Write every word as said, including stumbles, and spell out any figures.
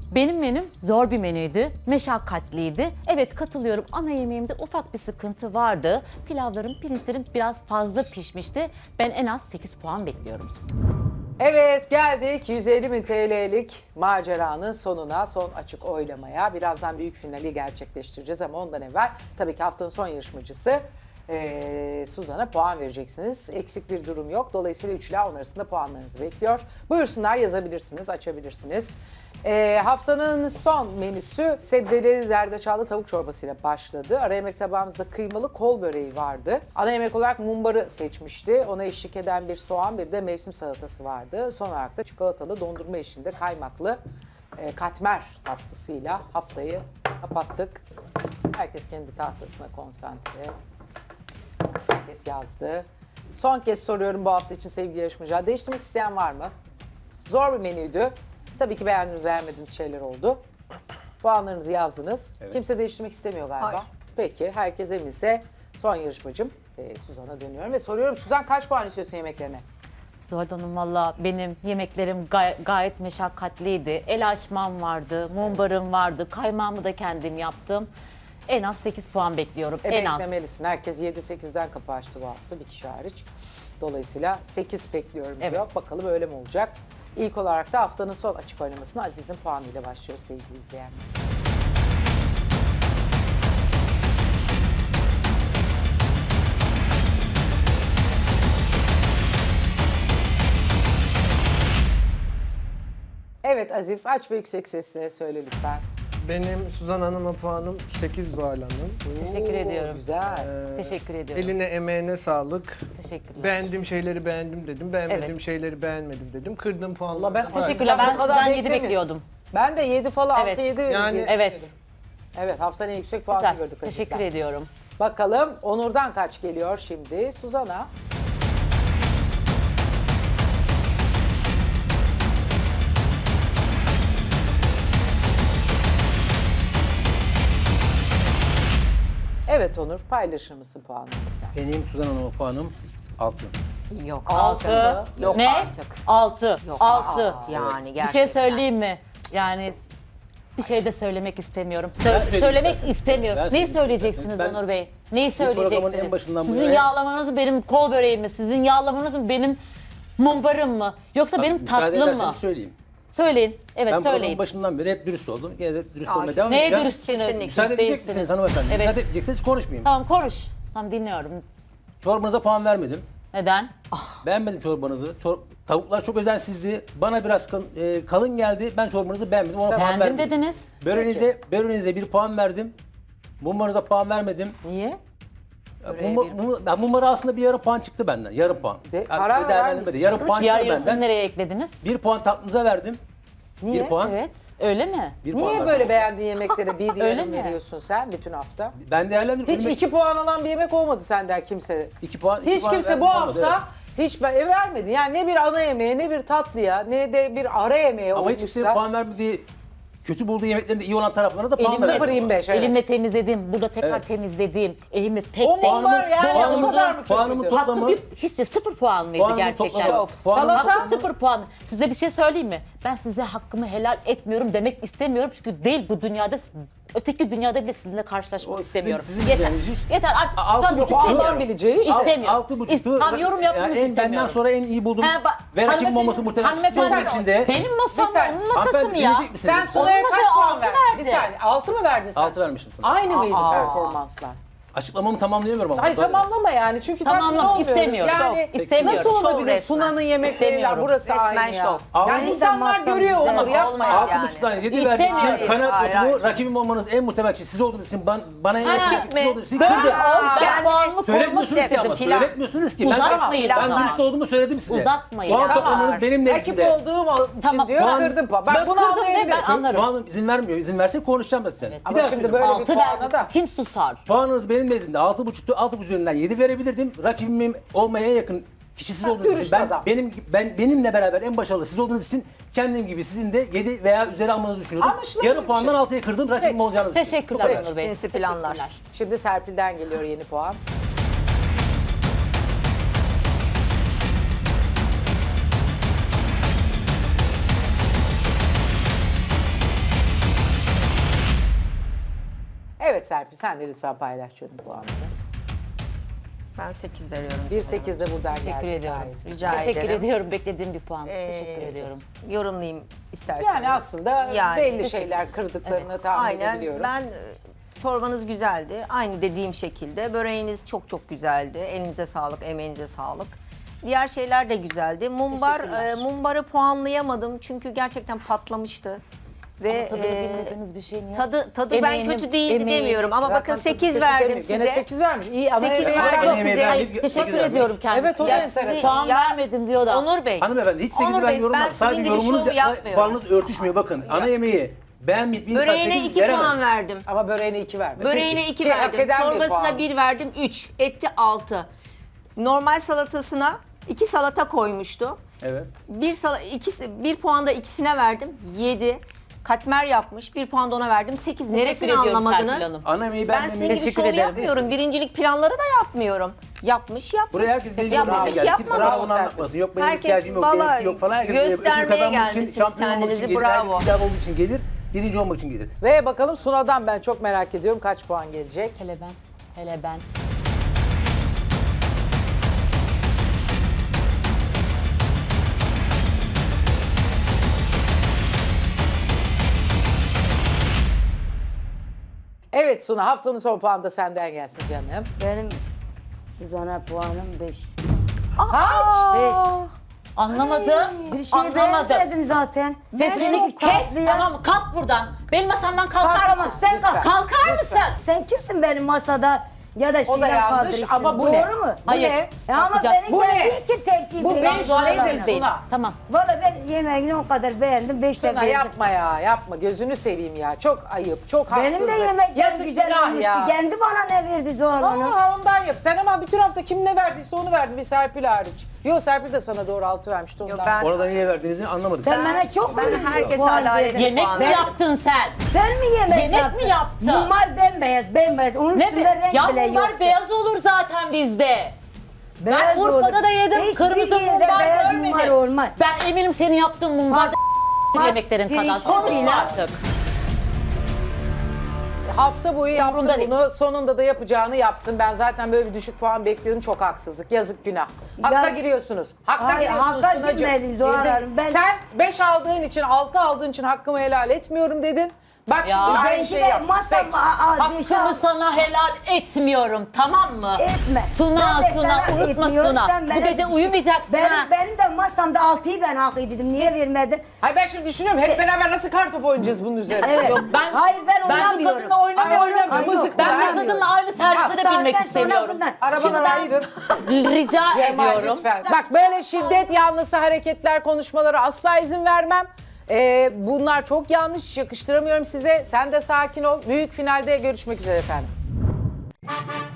Benim menüm zor bir menüydü, meşakkatliydi. Evet katılıyorum, ana yemeğimde ufak bir sıkıntı vardı. Pilavlarım, pirinçlerim biraz fazla pişmişti. Ben en az sekiz puan bekliyorum. Evet geldik yüz elli bin T L'lik maceranın sonuna, son açık oylamaya. Birazdan büyük finali gerçekleştireceğiz ama ondan evvel tabii ki haftanın son yarışmacısı ee, Suzan'a puan vereceksiniz. Eksik bir durum yok. Dolayısıyla üç ile on arasında puanlarınızı bekliyor. Buyursunlar, yazabilirsiniz, açabilirsiniz. Ee, haftanın son menüsü sebzeli zerdeçallı tavuk çorbasıyla başladı. Ara yemek tabağımızda kıymalı kol böreği vardı. Ana yemek olarak mumbarı seçmişti. Ona eşlik eden bir soğan, bir de mevsim salatası vardı. Son olarak da çikolatalı dondurma eşliğinde kaymaklı e, katmer tatlısıyla haftayı kapattık. Herkes kendi tahtasına konsantre. Herkes yazdı. Son kez soruyorum bu hafta için sevgili yarışmacılar. Değiştirmek isteyen var mı? Zor bir menüydü. Tabii ki beğendiğiniz, beğenmediğiniz şeyler oldu. Puanlarınızı yazdınız. Evet. Kimse değiştirmek istemiyor galiba. Hayır. Peki, herkes eminse son yarışmacım e, Suzan'a dönüyorum ve soruyorum. Suzan kaç puan istiyorsun yemeklerine? Zuhal Hanım valla benim yemeklerim gay- gayet meşakkatliydi. El açmam vardı, mumbarım vardı, kaymağımı da kendim yaptım. En az sekiz puan bekliyorum, E, en az. beklemelisin. Herkes yedi sekizden kapı açtı bu hafta, bir kişi hariç. Dolayısıyla sekiz bekliyorum diyor. Evet. Bakalım öyle mi olacak? İlk olarak da haftanın son açık oynamasına Aziz'in puanıyla başlıyoruz sevgili izleyenler. Evet Aziz, aç ve yüksek sesle söyle lütfen. Benim Suzan Hanım'a puanım sekiz Zuhal Hanım. Teşekkür Oo, ediyorum. Güzel. Ee, Teşekkür ediyorum. Eline emeğine sağlık. Teşekkürler. Beğendiğim şeyleri beğendim dedim. Beğenmediğim Evet. şeyleri beğenmedim dedim. Kırdığım puanları. Allah ben- da- Teşekkürler. Ben Ben bu kadar sizden yedi beklemiyorum. bekliyordum. Ben de yedi falan, Evet. altı yedi Yani- Evet. Evet, haftanın en yüksek puanı Güzel. gördük. Teşekkür Aziz'den. ediyorum. Bakalım Onur'dan kaç geliyor şimdi? Suzan'a. Evet Onur, paylaşır mısın puanını? Benim Suzan Hanım'a puanım altı. Yok Altı. altı. Yok Ne? artık. Altı. Yok Altı. artık. Yani Bir gerçekten. şey söyleyeyim mi? Yani bir şey de söylemek istemiyorum. Sö- söyleyeyim söylemek isterseniz. istemiyorum. Ben Neyi söyleyeyim söyleyeceksiniz isterseniz. Ben Onur Bey? Neyi programın söyleyeceksiniz? en başından bu Sizin yana- yağlamanız mı benim kol böreğim mi? Sizin yağlamanız mı benim mumbarım mı? Yoksa benim Müsaade tatlım mı? ederseniz söyleyeyim. Söyleyin. Evet Ben programın söyleyin. başından beri hep dürüst oldum. Yine de dürüst Ay, olmaya devam Neye edeceğim. dürüstsünüz? Kesinlikle. Müsaade edecek Değilsiniz. misiniz hanımefendi? Evet. Müsaade edecekseniz konuşmayayım. Tamam konuş. Tamam dinliyorum. Çorbanıza puan vermedim. Neden? Beğenmedim çorbanızı. Çor- tavuklar çok özensizdi. Bana biraz kal- e, kalın geldi. Ben çorbanızı beğenmedim. Ona puan Beğendim vermedim. dediniz. Böreğinize, böreğinize bir puan verdim. Mumbarınıza puan vermedim. Niye? Mumbar, mum, ben mumbara aslında bir yarım puan çıktı benden. Yarım puan. De- Yani karar verer değerlendirmedi. misin? Yarım puan Diğer çıktı yarısını benden. nereye eklediniz? Bir puan tatlınıza verdim. Niye? Bir puan. Evet. Öyle mi? Bir puan Niye verdim. böyle beğendiğin yemeklere bir Öyle yarım mi? veriyorsun sen bütün hafta? Ben değerlendirdim. Hiç Önüme- iki puan alan bir yemek olmadı senden kimse. iki puan. iki Hiç puan kimse verdim, bu olmadı, hafta hiç be- vermedi. Yani ne bir ana yemeğe, ne bir tatlıya, ne de bir ara yemeğe evet. Ama olmuşsa. hiç kimse puan vermediği, kötü bulduğu yemeklerinde iyi olan taraflarına da puan Elimle, sıfır verdim. yirmi beş, evet. elimle temizledim. Burada tekrar Evet. temizledim. Elimle tek O tek. mumbar yani o puanımı- kadar mı puanımı kötüydü? toplamı- Hakkı bir, hiç de sıfır puan mıydı Puanımı gerçekten? toplama- puanımı Hakkı toplama- sıfır puan. Size bir şey söyleyeyim mi? Ben size hakkımı helal etmiyorum demek istemiyorum. Çünkü değil bu dünyada, öteki dünyada bile sizinle karşılaşmak O sizin- istemiyorum. sizin Yeter. bileceğiniz iş. Yeter artık. A- altı Son buçuk bir O puan istemiyorum. Allah'ın bileceği işte. İstemiyorum. Altı buçuktu. İst- Tam yorum yapmanızı en, istemiyorum. Benden sonra en iyi buldum. Ha, ba- Ve rakibim hanımefendi- olması muhtemelen siz hanımefendi- olduğunuz için de. Benim masam, Bir saniye. onun masası Hanımefendi, mı ya? dinleyecek misiniz? Sen Sunay'a Onun kaç masaya puan altı verdin? Bir verdi. saniye. Altı mı verdin sen? Altı vermiştim Sunay'a. Aynı mıydı Aa. performanslar? Açıklamamı tamamlayamıyorum ama. Hayır Böyle. tamamlama yani çünkü tatmin Tamamlam olmuyoruz. istemiyorum. Yani Şov. İstemiyorum. nasıl Şov olabilir resmen. Sunan'ın yemekleriyle İstemiyorum. burası Resmen aynı ya. şov. Yani Altı- insanlar Altı- görüyor Altı- Onur yapma Olmaz ya. Altı yani. buçuktan yedi İstemiyorum. verdim. Kanaat Hayır, yokumu, hayır. rakibim olmanız en muhtemel şey. Siz olduğunuz için ben, bana en yakın gitme. siz olduğunuz için Ben kırdım. olsa kendini puanımı korumak Söyletmiyorsunuz ki istedim. ama. Pilav. Söyletmiyorsunuz ki. Ben, Uzatmayın ben bana. dürüst olduğumu söyledim size. Uzatmayın. Puan Tamam. toplamanız benim Rakip nezdimde. olduğum için Tamam. diyor Puan- kırdım puan. Ben Ben bunu kırdım ve anlayabilirim. ben anlarım. Puanım izin vermiyor. İzin verse konuşacağım da size. Bir Ama daha şimdi söyleyeyim. böyle bir Altı puana verdi. da. Kim susar? Puanınız benim nezdimde altı buçuktu. altı buçuk üzerinden yedi verebilirdim. Rakibim olmaya en yakın kişi siz Ha, olduğunuz için dürüst ben adam. benim ben benimle beraber en başarılı siz olduğunuz için kendim gibi sizin de yedi veya üzeri almanızı düşünüyordum. Anlaşılabilir Yarım bir puandan şey. altıya kırdım rakibim Peki. olacağınız için. Bu Teşekkürler kadar. Onur Bey. Sinsi planlar. Teşekkürler. Şimdi Serpil'den geliyor yeni puan. Evet Serpil sen de lütfen paylaş canım puanını. Ben sekiz veriyorum. bir sekiz de buradan Teşekkür geldi. ediyorum. gayet. Rica Teşekkür ederim. ediyorum. Beklediğim bir puan. Ee, Teşekkür ediyorum. Yorumlayayım isterseniz. Yani aslında Yani. belli şeyler kırdıklarını Evet. tahmin Aynen. edebiliyorum. Ben e, çorbanız güzeldi. Aynı dediğim şekilde. Böreğiniz çok çok güzeldi. Elinize sağlık, emeğinize sağlık. Diğer şeyler de güzeldi. Mumbar, Teşekkürler. e, mumbarı puanlayamadım çünkü gerçekten patlamıştı. Ve Tadını e, bilmediğiniz bir şey niye? tadı tadı Emeğinin- ben kötü değildi emeğinin- demiyorum ama Zaten bakın tadı sekiz kötü verdim demiyor. size. Gene sekiz vermiş. İyi ama Sekiz emeği verdim vermiş. size. Emeği verdim. Teşekkür sekiz verdim. ediyorum kendisine. Evet, o da Ya enteresan. sizi Puan Ya- vermedim diyor da. Onur Bey. Hanımefendi hiç sekizi Onur ben Bey, yorumlamam. ben Sadece sizin gibi yorumunuz şov yapmıyorum. puanınız örtüşmüyor. Bakın ana yemeği beğenmeyip bir insan Böreğine sekiz iki veremez. puan verdim. Ama böreğine iki vermiş. Böreğine iki Ki hak verdim. eden bir puan. Çorbasına bir verdim. Üç. Etti altı. Normal salatasına iki salata koymuştu. Evet. Bir sala, ikisi, bir puan da ikisine verdim. Yedi. Katmer yapmış. Bir puan da ona verdim. Sekiz. Neresini ediyorum Serpil anlamadınız? Hanım. Ana yemeği Ben beğenmemeyi sizin gibi Teşekkür şov ederim. yapmıyorum. Birincilik planları da yapmıyorum. Yapmış yapmış. Buraya herkes benim Yapmamış, yorumuma geldi. Kimse yapmamış. bana bunu anlatmasın. Yok benim Herkes ihtiyacım yok, vallahi benimki yok falan. Herkes ödül göstermeye kazanmak için, gelmişsiniz şampiyon olmak için kendinizi, gelir. bravo. Herkes iddialı olduğu için gelir. Birinci olmak için gelir. Ve bakalım Suna'dan ben çok merak ediyorum kaç puan gelecek. Hele ben. Hele ben. Evet Suna haftanın son puanı da senden gelsin canım. Benim Suzan'a puanım beş. Kaç? Anlamadım. Bir şey Anlamadım. beğenmedim zaten. Sesini çok kes, tatlı ya. tamam mı? Kalk buradan. Benim masamdan kalkar Kalkamam, mısın? sen kalk. Kalkar Lütfen. mısın? Sen kimsin benim masada ya da O da şeyler yanlış kaldırırsın. ama bu Doğru ne? mu? Bu Hayır. ne? E ama Kalkacak. benim Bu ne? geldiği için tepki Bu veriyorum. beş Doğru nedir değil. Suna? Tamam. Valla ben yemeğini o kadar beğendim. Beş de Suna beğendim. yapma ya yapma gözünü seveyim ya çok ayıp çok haksızlık. Benim de yemeklerim Yazık güzel günah olmuştu. ya. Kendi bana ne verdi Zuhal Hanım? Aa, ondan yap. Sen ama bütün hafta kim ne verdiyse onu verdin bir Serpil hariç. Yok Serpil de sana doğru altı vermişti ondan. Yok, ben- Orada niye verdiğinizi anlamadık. Sen bana çok ben mu herkese puan adaletli verdin? Yemek puan mi verdim. yaptın sen? Sen mi yemek, Yemek yaptın? mi yaptın? Mumbar bembeyaz, bembeyaz. Onun Ne üstünde be? renk Ya bile mumbar yoktu. beyaz olur zaten bizde. Beyaz Ben Urfa'da olur. da yedim, Hiçbir kırmızı yerde mumbar beyaz görmedim. mumbar olmaz. Ben eminim senin yaptığın mumbar Bak, yemeklerin kadar. pirinçli Konuşma pilav. artık. Hafta boyu yaptın Umurumda değil. bunu sonunda da yapacağını yaptın. Ben zaten böyle bir düşük puan bekliyordum çok haksızlık yazık günah. Hakka Ya- giriyorsunuz. Hakka Hayır, giriyorsunuz hakka Sunacığım. girmedim Zuhal Girdin. Hanım. Ben- Sen beş aldığın için altı aldığın için hakkımı helal etmiyorum dedin. Bak Ya. şimdi aynı Belki şeyi de yap. masam Peki. az beş Hakkımı al. sana helal etmiyorum, tamam mı? Etme. Suna, Ben de Suna, sana unutma etmiyorum, Suna. sen Bu bana gece düşün. uyumayacaksın benim, ha. Benim de masamda altıyı ben hak edildim. Niye vermedin? Hayır ben şimdi düşünüyorum hep beraber nasıl kartopu oynayacağız bunun üzerine. Evet. Yok, ben, Hayır ben ben bu oynamıyorum. kadınla oynamıyorum. Ay, oynamıyor, Ay, yok, mızık Ben bu oynamıyor. kadınla aynı servise de Saatten binmek sonra istemiyorum. bundan- Arabadan ayırın. Rica Cemal ediyorum. lütfen. Bak böyle şiddet yanlısı hareketler, konuşmalara asla izin vermem. Ee, bunlar çok yanlış, yakıştıramıyorum size. Sen de sakin ol. Büyük finalde görüşmek üzere efendim.